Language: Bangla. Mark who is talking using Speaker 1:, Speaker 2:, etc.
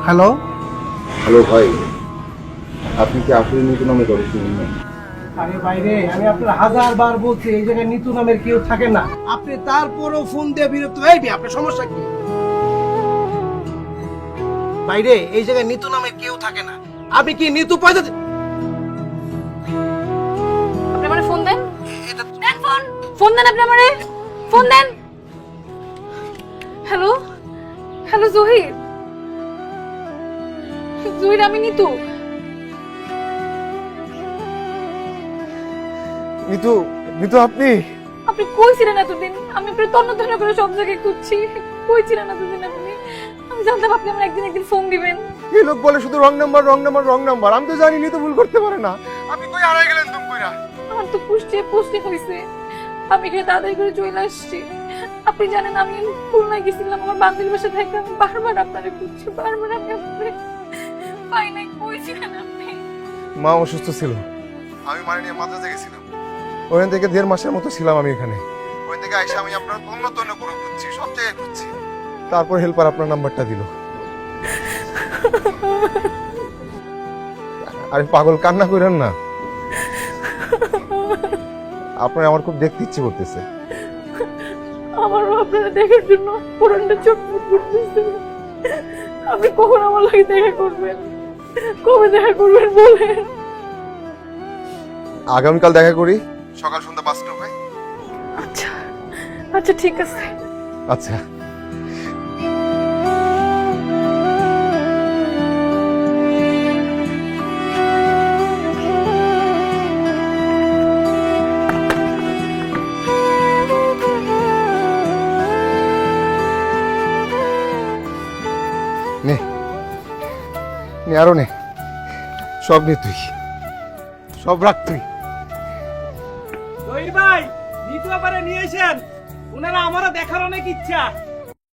Speaker 1: হ্যালো
Speaker 2: হ্যালো ভাই, আপনি কি আসলে নিতু নামে দরজ শুনলেন?
Speaker 1: আরে বাইরে আমি আপনার 1000 বার বলছি এই জায়গায় নিতু নামের কেউ থাকে না। আপনি তারপরও ফোন দিয়ে বিরক্ত হইবি, আপনার সমস্যা কি? বাইরে এই জায়গায় নিতু নামের কেউ থাকে না। আপনি কি নিতু পয়সা
Speaker 3: আপনি আমারে ফোন দেন।
Speaker 1: এটা
Speaker 3: দেন ফোন। ফোন দেন আপনি আমারে। ফোন দেন। Hello hello Zahir. জহির আমি নিতু।
Speaker 4: নিতু, নিতু আপনি?
Speaker 3: আপনি কই ছিলেন এতদিন? আমি আপনার তন্ন তন্ন করে সব জায়গায় খুঁজছি। কই ছিলেন এতদিন আপনি? আমি জানতাম আপনি আমার একদিন ফোন দিবেন।
Speaker 4: এই লোক বলে শুধু wrong number wrong number wrong number. আমি তো জানি নিতু ভুল করতে পারে না। আপনি কই হারাই গেলেন তুমি কইরা?
Speaker 3: আমার তো পুষ্টি হয়েছে। আমি এখানে তাড়াতাড়ি করে চলে আসছি। আপনি জানেন আমি খুলনায় গেছিলাম আমার বান্ধবীর বাসা থেকে। আমি বারবার আপনারে খুঁজছি, বারবার আমি আপনারে পাই নাই। কই ছিলেন আপনি?
Speaker 4: মা অসুস্থ ছিল, আমি মানে নিয়ে মাদ্রাসে গেছিলাম। ওখান থেকে 1.5 মাসের মতো ছিলাম আমি এখানে। ওখান থেকে আইসা আমি আপনার তন্ন তন্ন করে খুঁজছি, সব জায়গায় খুঁজছি। তারপর হেল্পার আপনার নাম্বারটা দিল। আরে পাগল, কান্না করেন না। আপনার আমার খুব দেখতে ইচ্ছে করতেছে।
Speaker 3: আমারও আপনারা দেখার জন্য পুরানটা চটপট করতেছে। আপনি কখন আমার লাগে দেখা করবেন? কবে দেখা করবেন বলেন?
Speaker 4: আগামীকাল দেখা করি, সকাল সন্ধ্যা 5টা হয়।
Speaker 3: আচ্ছা আচ্ছা ঠিক আছে।
Speaker 4: আচ্ছা। নে নে, আরো নে, সব নে তুই, সব রাখ তুই।
Speaker 5: জহির ভাই, নিতু আবারে নিয়ে এসেন। ওনারা আমারও দেখার অনেক ইচ্ছা।